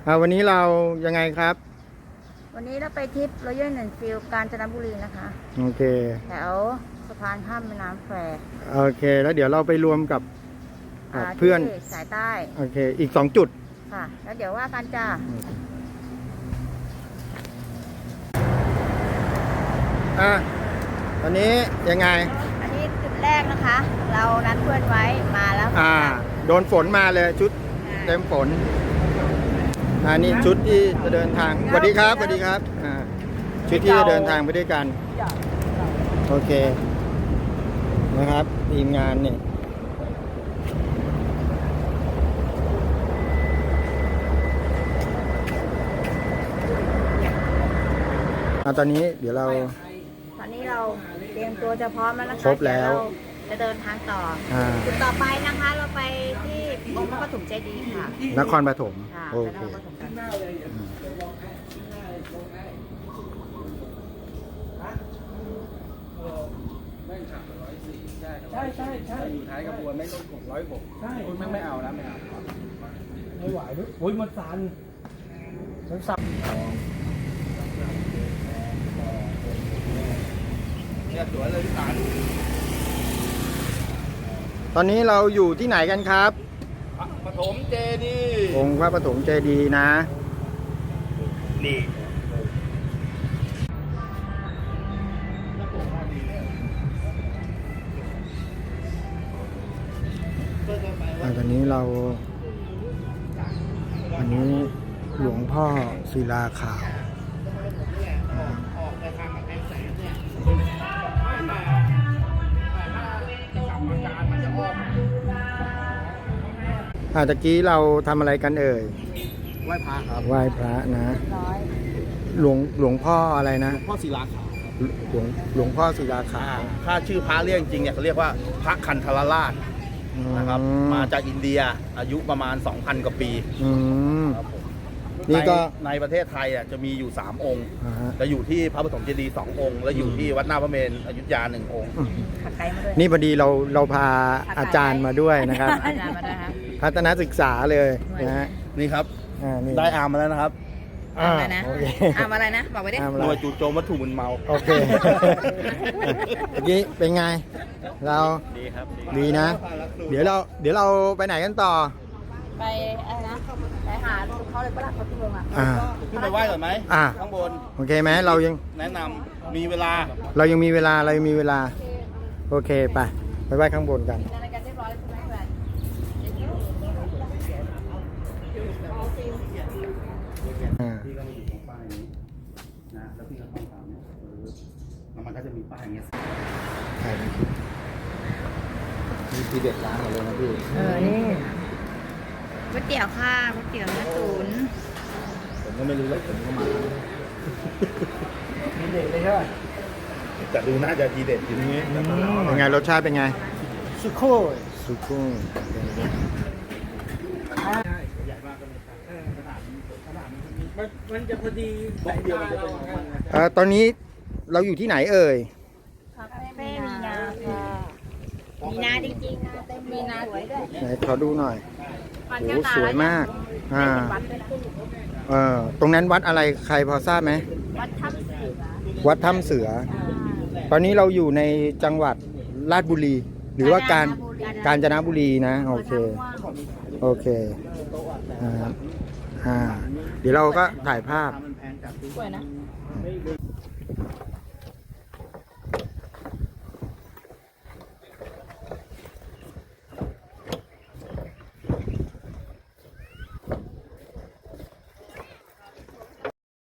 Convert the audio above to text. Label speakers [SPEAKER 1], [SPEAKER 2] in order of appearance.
[SPEAKER 1] วันนี้เรายังไงครับ
[SPEAKER 2] วันนี้เราไปทริปรอยัลแอนด์ฟิลด์กาญจนบุรีนะคะ
[SPEAKER 1] โอเค
[SPEAKER 2] แถวสะพานข้ามแม่น้ำแคว
[SPEAKER 1] โอเค แล้วเดี๋ยวเราไปรวมกับเพื่อน
[SPEAKER 2] ที่สายใต้
[SPEAKER 1] โอเคอีก2 จุด
[SPEAKER 2] ค่ะแล้วเดี๋ยวว่ากันจ้า
[SPEAKER 1] ตอนนี้ยังไง
[SPEAKER 2] อันนี้จุดแรกนะคะ เรานัดเพื่อนไว้มาแล้ว
[SPEAKER 1] โดนฝนมาเลยชุดเต็มฝนนี่ชุดที่จะเดินทางสวัสดีครับสวัสดีครับชุดที่จะเดินทางไปด้วยกันโอเคนะครับทีมงานเนี่ยตอนนี้เดี๋ยวเรา
[SPEAKER 2] ตอนนี้เราเตรียมตัวจะพร้อมแล้วนะคะ
[SPEAKER 1] ครบแล้ว
[SPEAKER 2] จะเดินทางต่อจุดต่อไปนะคะเราไปที่องค์พระปฐมเจดีย์ค่ะ
[SPEAKER 1] นครปฐมโอเค
[SPEAKER 3] ใช่อยู่ท้ายกระบวนไม่ต้อง606ใช่คุณไม่เอาแล้วไม่ไหวด้วยโอ้ยมันสั่นเนี่ยสวยเลยพี่สาร
[SPEAKER 1] ตอนนี้เราอยู่ที่ไหนกันครับ
[SPEAKER 3] ปฐมเจดีย์
[SPEAKER 1] องค์พระปฐมเจดีย์นะ
[SPEAKER 3] นี่
[SPEAKER 1] ตอนนี้เราอันนี้หลวงพ่อศิลาขาวตะกี้เราทำอะไรกันเอ่ย
[SPEAKER 3] ไหว้พระครับ
[SPEAKER 1] ไหว้พระนะหลวงพ่ออะไรนะ
[SPEAKER 3] พ่อศิลาขาว
[SPEAKER 1] หลวงพ่อศิลาขาว
[SPEAKER 3] ถ้าชื่อพระเรียกจริงเนี่ยเขาเรียกว่าพระคันธรราชนะครับมาจากอินเดียอายุประมาณ 2,000 กว่าปี
[SPEAKER 1] นี่ก็
[SPEAKER 3] ในประเทศไทยจะมีอยู่3องค์จะอยู่ที่พระปฐมเจดีย์2องค์และอยู่ที่วัดหน้าพระเมรุอยุธยา1องค์
[SPEAKER 1] นี่พอดีเราพาอาจารย์มาด้วยนะครับพัฒนาศึกษาเลยนะฮะ
[SPEAKER 3] นี่ครับได้อาร์มมาแล้วนะครับ
[SPEAKER 2] อะไรนะอะไรนะบอกไปดิ
[SPEAKER 3] หน่วยจู่โจมวัตถุมึนเมา
[SPEAKER 1] โอเคเมื่อกี้เป็นไงเรา
[SPEAKER 3] ดีครับ
[SPEAKER 1] ดีนะ เดี๋ยวเราไปไหนกันต่อ
[SPEAKER 2] ไปอะไรนะไปหาเขาเลยประหลัดเขาที่เมือง
[SPEAKER 3] ขึ้นไปไหว้ก่อนไหมข้างบน
[SPEAKER 1] โอเคไหมเรายัง
[SPEAKER 3] แนะนำมีเวลา
[SPEAKER 1] เรายังมีเวลาโอเคไปไหว้ข้างบนกัน
[SPEAKER 3] พี่ก็มาอยู่ตรงป้ายนี้นะแล้วพี่ก็ต้องตามเนี่ยแล้วมันก็จะมีป้ายอย่างเงี้ย
[SPEAKER 1] มีทีเด็ดร้านอะไรนะพี่
[SPEAKER 2] นี่ก๋วยเตี๋ยวค่ะก๋วยเตี๋ยวเนื้อตุ๋น
[SPEAKER 3] ผมก็ไม่รู้แล้วผมก็มาทีเด็ดเลยใช่ไหมแต่ดูน่าจะทีเด็ดอยู่นี้
[SPEAKER 1] เป็นไงรสชาติเป็นไง
[SPEAKER 3] สุโค้มันจะพอดีแบบเดียวมันจะเป็น
[SPEAKER 1] ตอนนี้เราอยู่ที่ไหนเอ่ย
[SPEAKER 2] คาเฟ่มีนาค่ะมีนาจริงๆนะเต็มมีนาสวยด้วย
[SPEAKER 1] ไหนขอดูหน่อยโอ้สวยมากตรงนั้นวัดอะไรใครพอทราบไหมวัดถ้ำเสือตอนนี้เราอยู่ในจังหวัดราชบุรีหรือว่ากาญจนบุรีนะโอเคเดี๋ยวเราก็ถ่ายภาพ
[SPEAKER 2] สวยนะ